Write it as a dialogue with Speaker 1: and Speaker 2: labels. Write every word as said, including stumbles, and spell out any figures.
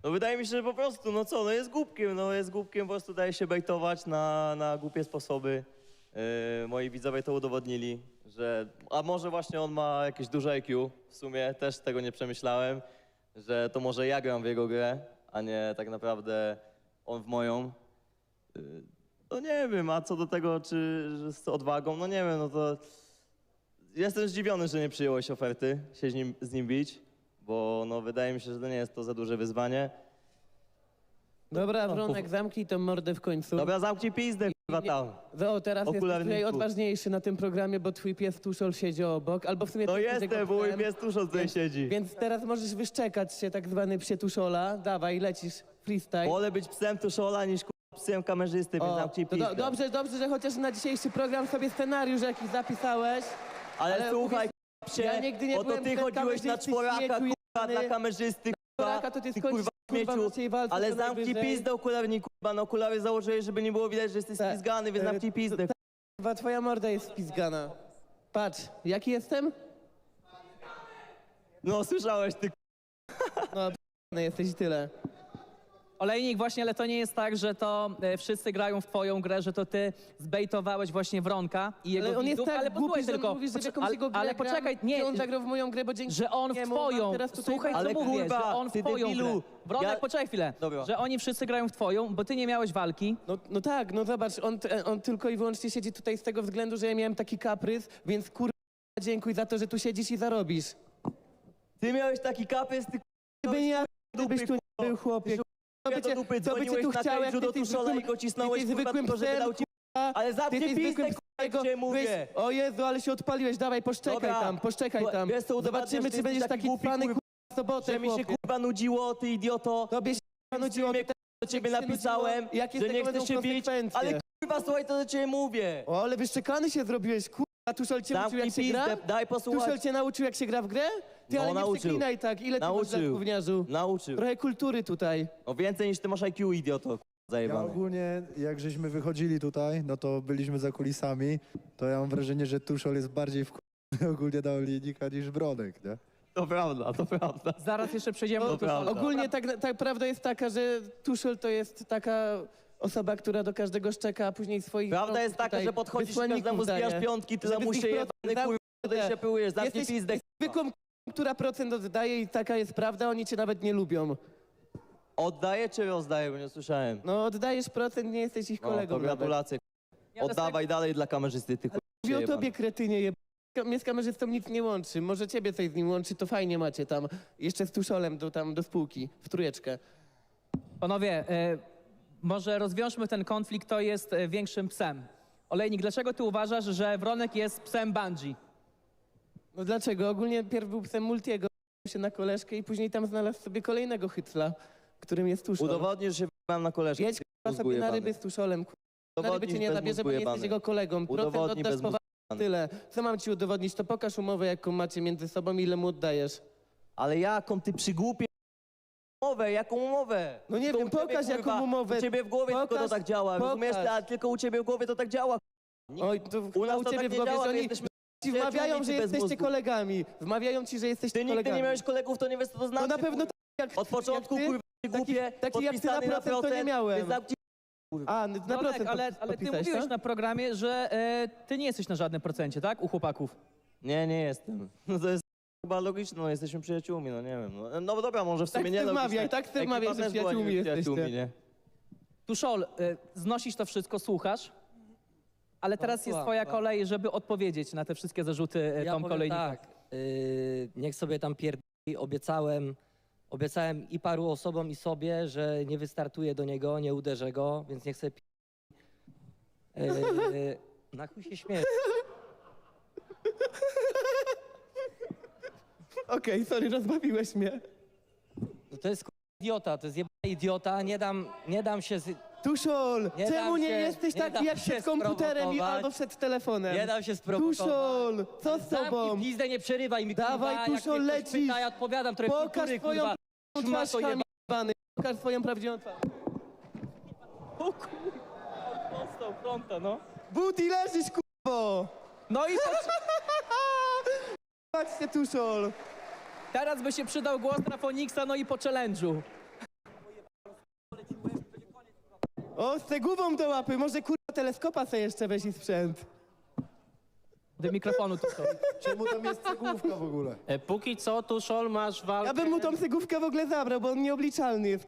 Speaker 1: No wydaje mi się, że po prostu, no co, no jest głupkiem, no jest głupkiem, po prostu daje się bejtować na, na głupie sposoby. Yy, moi widzowie to udowodnili, że, a może właśnie on ma jakieś duże I Q, w sumie też tego nie przemyślałem, że to może ja gram w jego grę, a nie tak naprawdę on w moją. Yy, no nie wiem, a co do tego, czy że z odwagą, no nie wiem, no to jestem zdziwiony, że nie przyjąłeś oferty się z nim, z nim bić, bo no wydaje mi się, że to nie jest to za duże wyzwanie.
Speaker 2: Dobra, Wronek, zamknij tą mordę w końcu.
Speaker 1: Dobra, zamknij pizdę, kurwa tam.
Speaker 2: O, teraz jesteś
Speaker 1: Okularniku.
Speaker 2: tutaj odważniejszy na tym programie, bo twój pies Tuszol siedzi obok, albo w sumie...
Speaker 1: No
Speaker 2: ty jesteś
Speaker 1: jestem,
Speaker 2: jego
Speaker 1: bo mój
Speaker 2: psem.
Speaker 1: pies tuż tutaj
Speaker 2: Więc-
Speaker 1: siedzi.
Speaker 2: Więc teraz możesz wyszczekać się, tak zwany psie Tuszola. Dawaj, lecisz, freestyle.
Speaker 1: Wolę być psem Tuszola niż kurwa, psem kamerzysty, więc
Speaker 2: O,
Speaker 1: zamknij
Speaker 2: to do,
Speaker 1: pizdę.
Speaker 2: dobrze, dobrze, że chociaż na dzisiejszy program sobie scenariusz jakiś zapisałeś.
Speaker 1: Ale,
Speaker 2: ale
Speaker 1: słuchaj,
Speaker 2: uwierz-
Speaker 1: psie,
Speaker 2: ja nigdy nie
Speaker 1: oto
Speaker 2: byłem
Speaker 1: ty
Speaker 2: psem
Speaker 1: chodziłeś na
Speaker 2: kamerzysty,
Speaker 1: czworaka,
Speaker 2: śmieciu
Speaker 1: kurwa,
Speaker 2: jebany.
Speaker 1: dla kamerzysty,
Speaker 2: Czworaka
Speaker 1: kurwa,
Speaker 2: to ty
Speaker 1: ty
Speaker 2: skończysz,
Speaker 1: kurwa
Speaker 2: kurwa, w
Speaker 1: śmieciu.
Speaker 2: naszej walce
Speaker 1: Ale
Speaker 2: co
Speaker 1: zamknij
Speaker 2: najwyżej.
Speaker 1: pizdę, okularniku, kurwa, no okulary założyłeś, żeby nie było widać, że jesteś
Speaker 2: Tak.
Speaker 1: spizgany, więc
Speaker 2: E,
Speaker 1: zamknij pizdę.
Speaker 2: Kurwa, twoja morda jest spizgana. Patrz, jaki jestem?
Speaker 1: No słyszałeś, ty
Speaker 2: No, p***ny jesteś i tyle.
Speaker 3: Olejnik, właśnie, ale to nie jest tak, że to e, wszyscy grają w twoją grę, że to ty zbejtowałeś właśnie Wronka i jego
Speaker 2: Ale on jest
Speaker 3: widzów,
Speaker 2: tak
Speaker 3: ale
Speaker 2: głupi,
Speaker 3: posłuchaj
Speaker 2: że on
Speaker 3: tylko,
Speaker 2: mówi, że w
Speaker 3: poczek-
Speaker 2: jakąś
Speaker 3: ale,
Speaker 2: jego grę
Speaker 3: ale
Speaker 2: gram,
Speaker 3: poczekaj,
Speaker 2: gdzie
Speaker 3: nie,
Speaker 2: on zagrał w moją grę, bo dzięki
Speaker 3: że on w
Speaker 2: niemu mam
Speaker 3: twoją,
Speaker 2: teraz tutaj
Speaker 3: słuchaj co
Speaker 1: Ale
Speaker 3: mówię,
Speaker 1: kurwa,
Speaker 3: że on w
Speaker 1: ty
Speaker 3: twoją
Speaker 1: debilu,
Speaker 3: grę. Wronek,
Speaker 1: ja-
Speaker 3: poczekaj chwilę,
Speaker 1: Dobra.
Speaker 3: że oni wszyscy grają w twoją, bo ty nie miałeś walki.
Speaker 2: No, no tak, no zobacz, on, t- on tylko i wyłącznie siedzi tutaj z tego względu, że ja miałem taki kaprys, więc kurwa dziękuj za to, że tu siedzisz i zarobisz.
Speaker 1: Ty miałeś taki kapys, ty
Speaker 2: Gdyby nie ja,
Speaker 1: dupy,
Speaker 2: gdybyś tu nie był chłopie.
Speaker 1: Ja
Speaker 2: by
Speaker 1: do
Speaker 2: cię-
Speaker 1: dupy
Speaker 2: co by cię
Speaker 1: dzwoniłeś
Speaker 2: tu
Speaker 1: na
Speaker 2: chciał, jak
Speaker 1: kręciu
Speaker 2: ty
Speaker 1: do
Speaker 2: jesteś
Speaker 1: Tuszola i
Speaker 2: zwykłym-
Speaker 1: go cisnąłeś,
Speaker 2: ty jesteś
Speaker 1: kurwa,
Speaker 2: zwykłym
Speaker 1: tylko żeby
Speaker 2: psem,
Speaker 1: dał ci...
Speaker 2: kurwa.
Speaker 1: Ale
Speaker 2: Ty
Speaker 1: zamknij
Speaker 2: jesteś
Speaker 1: pizdę,
Speaker 2: zwykłym
Speaker 1: kurwa,
Speaker 2: psem,
Speaker 1: jak cię mówię.
Speaker 2: O Jezu, ale się odpaliłeś, dawaj, poszczekaj
Speaker 1: Dobra.
Speaker 2: tam, poszczekaj tam.
Speaker 1: Wiesz co, udowadniasz,
Speaker 2: Zobaczymy,
Speaker 1: że
Speaker 2: czy
Speaker 1: jesteś
Speaker 2: będziesz
Speaker 1: taki
Speaker 2: taki
Speaker 1: głupi,
Speaker 2: cwany
Speaker 1: kurwa,
Speaker 2: kurwa w sobotę,
Speaker 1: Że mi się
Speaker 2: chłopie.
Speaker 1: kurwa nudziło, ty idioto.
Speaker 2: Tobie się nudziło,
Speaker 1: Mnie,
Speaker 2: ty
Speaker 1: do ciebie
Speaker 2: jak się
Speaker 1: napisałem,
Speaker 2: nudziło, jakie z
Speaker 1: że
Speaker 2: tego
Speaker 1: nie
Speaker 2: będą
Speaker 1: chcesz się bić,
Speaker 2: konsekwencje?
Speaker 1: ale kurwa, słuchaj, to do ciebie mówię.
Speaker 2: O, ale wyszczekany się zrobiłeś, kurwa. Tuszol cię uczył,
Speaker 1: Zamknij
Speaker 2: jak się gra?
Speaker 1: pizdę, daj
Speaker 2: Tuszol
Speaker 1: posłuchać.
Speaker 2: cię nauczył, jak się gra w grę? Ty,
Speaker 1: No,
Speaker 2: ale nie
Speaker 1: nauczył.
Speaker 2: przeklinaj tak. Ile ty masz lat,
Speaker 1: Nauczył.
Speaker 2: gówniarzu?
Speaker 1: Nauczył.
Speaker 2: Trochę kultury tutaj.
Speaker 1: O więcej niż ty masz I Q, idioto, kurwa,
Speaker 4: Ja
Speaker 1: zajebany.
Speaker 4: ogólnie, jak żeśmy wychodzili tutaj, no to byliśmy za kulisami, to ja mam wrażenie, że Tuszol jest bardziej wkurwiony ogólnie na Olejnika niż Wronek, nie?
Speaker 1: To prawda, to prawda.
Speaker 3: Zaraz jeszcze przejdziemy do
Speaker 1: prawda.
Speaker 3: Tuszola.
Speaker 2: Ogólnie tak, tak prawda jest taka, że Tuszol to jest taka osoba, która do każdego szczeka, a później swoich...
Speaker 1: Prawda jest taka,
Speaker 2: tutaj
Speaker 1: że podchodzisz i
Speaker 2: wysłanników
Speaker 1: każdemu zbijasz
Speaker 2: daje.
Speaker 1: piątki, ty
Speaker 2: Żeby
Speaker 1: lamusie
Speaker 2: z ich
Speaker 1: jebany,
Speaker 2: procent
Speaker 1: kurwa, tutaj się pyłujesz, zamknij
Speaker 2: Jesteś
Speaker 1: pizdę.
Speaker 2: zwykłą, która procent oddaje i taka jest prawda, oni cię nawet nie lubią.
Speaker 1: Oddaję czy rozdaję, bo nie słyszałem.
Speaker 2: No oddajesz procent, nie jesteś ich
Speaker 1: No,
Speaker 2: kolegą
Speaker 1: to
Speaker 2: nawet.
Speaker 1: gratulacje.
Speaker 3: Nie, ale
Speaker 1: Oddawaj dalej dla kamerzysty, ty kurwa.
Speaker 2: Mówię o
Speaker 1: jebany.
Speaker 2: tobie, kretynie, jeb... Mnie z kamerzystą nic nie łączy. Może ciebie coś z nim łączy, to fajnie macie tam. Jeszcze z Tuszolem do, tam, do spółki, w trójeczkę.
Speaker 3: Panowie, e, może rozwiążmy ten konflikt, kto jest e, większym psem. Olejnik, dlaczego ty uważasz, że Wronek jest psem Bungie?
Speaker 2: No dlaczego? Ogólnie pierw był psem Multiego, się na koleżkę i później tam znalazł sobie kolejnego hycla, którym jest Tuszol.
Speaker 1: Udowodnisz, że wyjebałem na koleżkę.
Speaker 2: Jedź
Speaker 1: ty
Speaker 2: k***a, sobie
Speaker 1: mózgu
Speaker 2: na
Speaker 1: jebany.
Speaker 2: ryby z Tuszolem. k***a. Na ryby
Speaker 1: Udowodnij
Speaker 2: cię nie
Speaker 1: bez
Speaker 2: zabierze,
Speaker 1: mózgu
Speaker 2: bo nie
Speaker 1: jebany.
Speaker 2: jesteś jego kolegą. Procent
Speaker 1: Udowodnij
Speaker 2: oddasz
Speaker 1: bez
Speaker 2: poważnie,
Speaker 1: mózgu
Speaker 2: tyle. Co mam ci udowodnić? To pokaż umowę, jaką macie między sobą i ile mu oddajesz.
Speaker 1: Ale jaką ty przygłupie umowę, jaką umowę?
Speaker 2: No nie
Speaker 1: To
Speaker 2: wiem,
Speaker 1: u ciebie,
Speaker 2: pokaż, jaką
Speaker 1: kurwa,
Speaker 2: umowę.
Speaker 1: U ciebie w głowie tylko to
Speaker 2: Pokaż,
Speaker 1: tak działa,
Speaker 2: pokaż.
Speaker 1: rozumiesz? A tylko u ciebie w głowie to tak działa.
Speaker 2: Oj, to
Speaker 1: U
Speaker 2: chyba
Speaker 1: nas
Speaker 2: u
Speaker 1: to
Speaker 2: ciebie
Speaker 1: tak
Speaker 2: w
Speaker 1: nie
Speaker 2: głowie,
Speaker 1: działa,
Speaker 2: że
Speaker 1: my
Speaker 2: oni
Speaker 1: jesteśmy
Speaker 2: ci wmawiają,
Speaker 1: przyjaciółmi,
Speaker 2: że
Speaker 1: czy bez
Speaker 2: jesteście
Speaker 1: mózgu.
Speaker 2: kolegami. Wmawiają ci, że jesteście
Speaker 1: Ty nigdy
Speaker 2: kolegami.
Speaker 1: nie miałeś kolegów, to nie wiesz co to znaczy.
Speaker 2: No na pewno
Speaker 1: kurwa.
Speaker 2: tak jak
Speaker 1: Od początku,
Speaker 2: jak ty,
Speaker 1: kurwa, ty głupie,
Speaker 2: taki jak ty na
Speaker 1: podpisany
Speaker 2: procent to nie miałem.
Speaker 1: więc zamknij-
Speaker 2: A, na
Speaker 3: Wronek,
Speaker 2: procent
Speaker 3: ale,
Speaker 2: podpis-
Speaker 3: ale ty
Speaker 2: podpisałeś,
Speaker 3: mówiłeś
Speaker 2: tak?
Speaker 3: na programie, że e, ty nie jesteś na żadnym procencie, tak? U chłopaków.
Speaker 1: Nie, nie jestem. No to jest chyba logiczne, no jesteśmy przyjaciółmi, no nie wiem. No, no dobra, może w
Speaker 2: Tak
Speaker 1: sumie
Speaker 2: ty
Speaker 1: nie
Speaker 2: wmawiaj,
Speaker 1: logiczne.
Speaker 2: tak ty
Speaker 1: Ekipa
Speaker 2: wmawiaj, że
Speaker 1: też była
Speaker 2: przyjaciółmi
Speaker 1: niby przyjaciółmi,
Speaker 2: jesteście.
Speaker 1: nie?
Speaker 3: Tuszol, e, znosisz to wszystko, słuchasz, ale teraz jest
Speaker 5: słucham,
Speaker 3: twoja
Speaker 5: słucham.
Speaker 3: kolej, żeby odpowiedzieć na te wszystkie zarzuty e,
Speaker 5: Ja
Speaker 3: Tom
Speaker 5: powiem
Speaker 3: Kolejnika.
Speaker 5: tak, yy, niech sobie tam pierdoli, obiecałem, obiecałem i paru osobom i sobie, że nie wystartuję do niego, nie uderzę go, więc niech sobie pierdoli. Yy, na chuj się śmieję.
Speaker 2: Okej, sorry, rozbawiłeś mnie.
Speaker 5: No to jest k***a idiota, to jest jebany idiota, nie dam, nie dam się, z,
Speaker 2: Tuszol,
Speaker 5: Nie
Speaker 2: czemu
Speaker 5: dam
Speaker 2: nie
Speaker 5: się-
Speaker 2: jesteś
Speaker 5: nie
Speaker 2: taki
Speaker 5: dam
Speaker 2: jak
Speaker 5: się
Speaker 2: przed komputerem i
Speaker 5: sprowokować.
Speaker 2: albo przed telefonem?
Speaker 5: nie dam się sprowokować.
Speaker 2: Tuszol, co z tobą?
Speaker 5: Zamknij pizdę, nie przerywaj mi,
Speaker 2: Dawaj,
Speaker 5: kurwa,
Speaker 2: Tuszol,
Speaker 5: jak mnie ktoś
Speaker 2: lecisz.
Speaker 5: pyta, ja odpowiadam trochę
Speaker 2: Pokaż
Speaker 5: kultury,
Speaker 2: swoją
Speaker 5: kurwa.
Speaker 2: twarz,
Speaker 5: Szmato
Speaker 2: chamie
Speaker 5: jeba-
Speaker 2: jebany. Pokaż swoją prawdziwą twarz.
Speaker 3: O kurwa, dostał fronta, no.
Speaker 2: Buti, leżysz, kurwo!
Speaker 3: No i to,
Speaker 2: Patrzcie, Tuszol.
Speaker 3: teraz by się przydał głos na Foniksa, no i po challenge'u.
Speaker 2: O, z cegłową do łapy, może kurwa teleskopa sobie jeszcze weź i sprzęt.
Speaker 3: Do mikrofonu tu są.
Speaker 4: Czemu tam jest cegłówka w ogóle?
Speaker 6: E, póki co, Tuszol, masz walkę...
Speaker 2: Ja bym mu tą cegłówkę w ogóle zabrał, bo on nieobliczalny jest.